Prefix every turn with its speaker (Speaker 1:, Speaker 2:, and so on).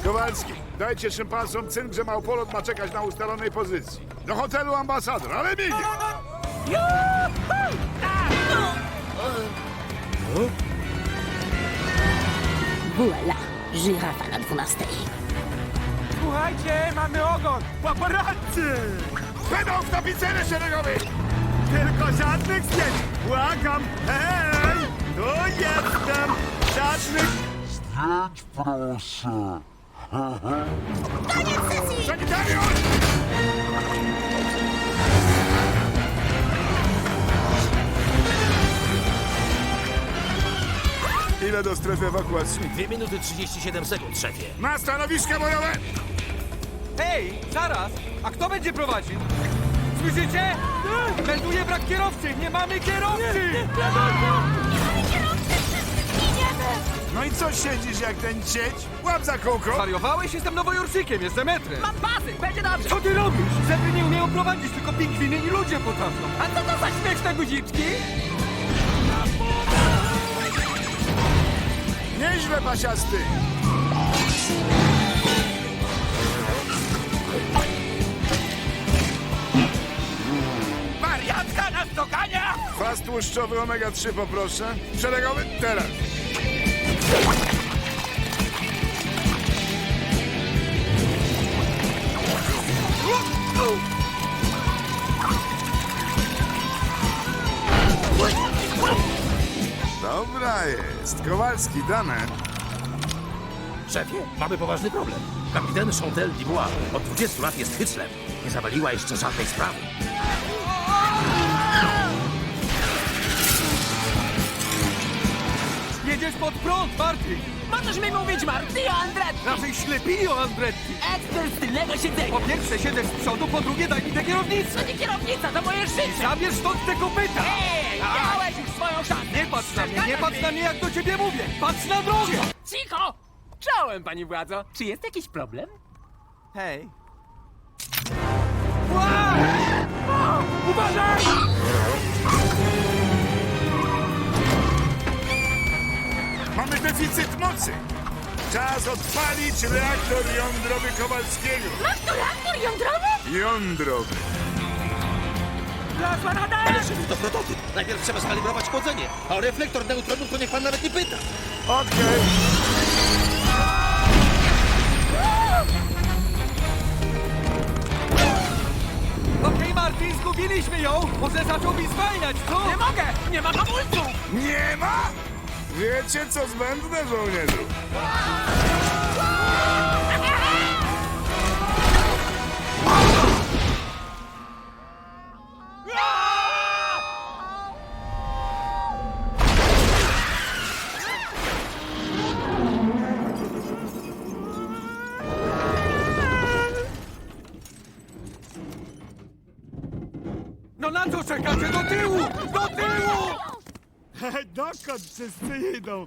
Speaker 1: Kowalski, dajcie szympansom cynk, że małpolot ma czekać na ustalonej pozycji. Do hotelu Ambasador, ale migiem!
Speaker 2: Voila, żyrafa na 12.
Speaker 3: Słuchajcie, mamy ogon! Paparazzi!
Speaker 1: Będą w tapicerze szeregowej!
Speaker 3: Tylko żadnych zdjęć! Błagam! Hej! Tu jestem! Żadnych...
Speaker 1: Sanitariusz! Ile do strefy ewakuacji?
Speaker 4: 2 minuty 37 sekund, szefie.
Speaker 1: Na stanowiska bojowe!
Speaker 3: Hej! Zaraz! A kto będzie prowadził? Słyszycie? Melduje brak kierowcy! Nie mamy kierowcy!
Speaker 1: No i co siedzisz jak ten cieć? Łap za kółko!
Speaker 3: Wariowałeś? Jestem nowojorczykiem, jestem metrem!
Speaker 5: Mam pasy, będzie dobrze.
Speaker 3: Co ty robisz? Zebry nie umieją prowadzić, tylko pingwiny i ludzie potrafią!
Speaker 5: A co to za śmieszne guziczki?
Speaker 1: Nieźle, pasiasty!
Speaker 5: Wariatka nas dogania!
Speaker 1: Kwas tłuszczowy omega-3 poproszę. Szeregowy, teraz. Dobra jest. Kowalski, dane.
Speaker 4: Szefie, mamy poważny problem. Kapitan Chantal Dubois od 20 lat jest hyclem. Nie zawaliła jeszcze żadnej sprawy.
Speaker 3: Jedziesz pod prąd, Marty!
Speaker 5: Możesz mi mówić Marty Andretti!
Speaker 3: Raczej ślepili o Andretti!
Speaker 5: Ekspert z tylnego siedzenia!
Speaker 3: Po pierwsze siedzę z przodu, po drugie daj mi tę kierownicę!
Speaker 5: To nie kierownica, to moje życie!
Speaker 3: Zabierz stąd te kopyta!
Speaker 5: Ej, miałeś już swoją szansę!
Speaker 3: Nie patrz na mnie, nie patrz na mnie jak do ciebie mówię! Patrz na drogę!
Speaker 5: Cicho! Czołem, pani władzo! Czy jest jakiś problem?
Speaker 3: Hej! Wow! Uważaj!
Speaker 1: Mamy deficyt mocy. Czas odpalić reaktor jądrowy Kowalskiego.
Speaker 2: Masz tu reaktor jądrowy?
Speaker 1: Jądrowy.
Speaker 5: Wlazła na dach!
Speaker 4: Ale szefie, to prototyp. Najpierw trzeba skalibrować chłodzenie. A o reflektor neutronów to niech pan nawet nie pyta.
Speaker 1: Okej.
Speaker 3: Okej, Marty, zgubiliśmy ją! Może zacząłbyś zwalniać, co?
Speaker 5: Nie mogę! Nie ma hamulców!
Speaker 1: Nie ma? Wiecie, co zbędne, żołnierzu?
Speaker 3: No na co czekacie? Do tyłu! Do tyłu! Dokąd wszyscy idą?